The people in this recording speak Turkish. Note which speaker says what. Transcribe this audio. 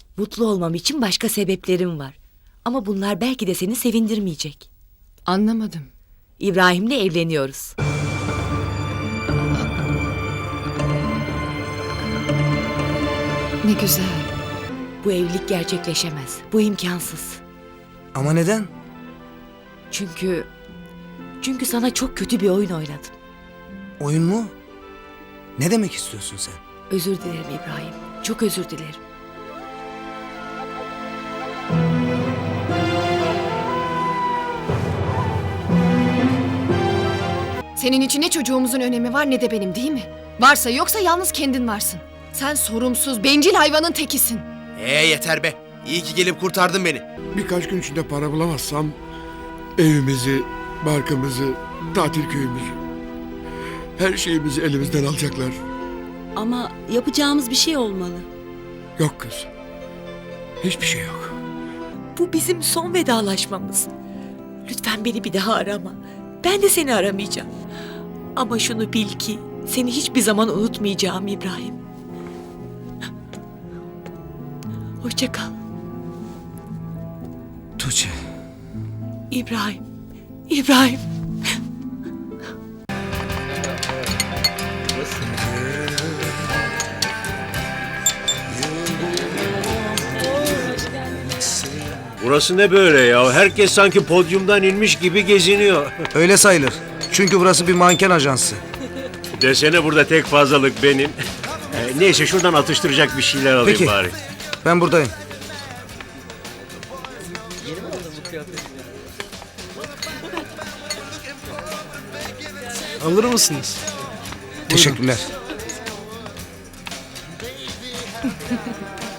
Speaker 1: Mutlu olmam için başka sebeplerim var. Ama bunlar belki de seni sevindirmeyecek.
Speaker 2: Anlamadım.
Speaker 1: İbrahim'le evleniyoruz.
Speaker 2: Ne güzel.
Speaker 1: Bu evlilik gerçekleşemez. Bu imkansız.
Speaker 3: Ama neden?
Speaker 1: Çünkü sana çok kötü bir oyun oynadım.
Speaker 3: Oyun mu? Ne demek istiyorsun sen?
Speaker 1: Özür dilerim İbrahim. Çok özür dilerim.
Speaker 2: Senin için ne çocuğumuzun önemi var ne de benim, değil mi? Varsa yoksa yalnız kendin varsın. Sen sorumsuz, bencil hayvanın tekisin.
Speaker 4: Yeter be. İyi ki gelip kurtardın beni.
Speaker 5: Birkaç gün içinde para bulamazsam evimizi, barkımızı, tatil köyümüzü, her şeyimizi elimizden alacaklar.
Speaker 6: Ama yapacağımız bir şey olmalı.
Speaker 5: Yok kız. Hiçbir şey yok.
Speaker 1: Bu bizim son vedalaşmamız. Lütfen beni bir daha arama. Ben de seni aramayacağım. Ama şunu bil ki seni hiçbir zaman unutmayacağım İbrahim. Hoşça kal.
Speaker 3: Tuğçe.
Speaker 1: İbrahim. İbrahim.
Speaker 7: Burası ne böyle ya? Herkes sanki podyumdan inmiş gibi geziniyor.
Speaker 3: Öyle sayılır. Çünkü burası bir manken ajansı.
Speaker 7: Desene burada tek fazlalık benim. Neyse şuradan atıştıracak bir şeyler alayım
Speaker 3: Peki.
Speaker 7: bari.
Speaker 3: Ben buradayım.
Speaker 4: Alır mısınız?
Speaker 3: Teşekkürler.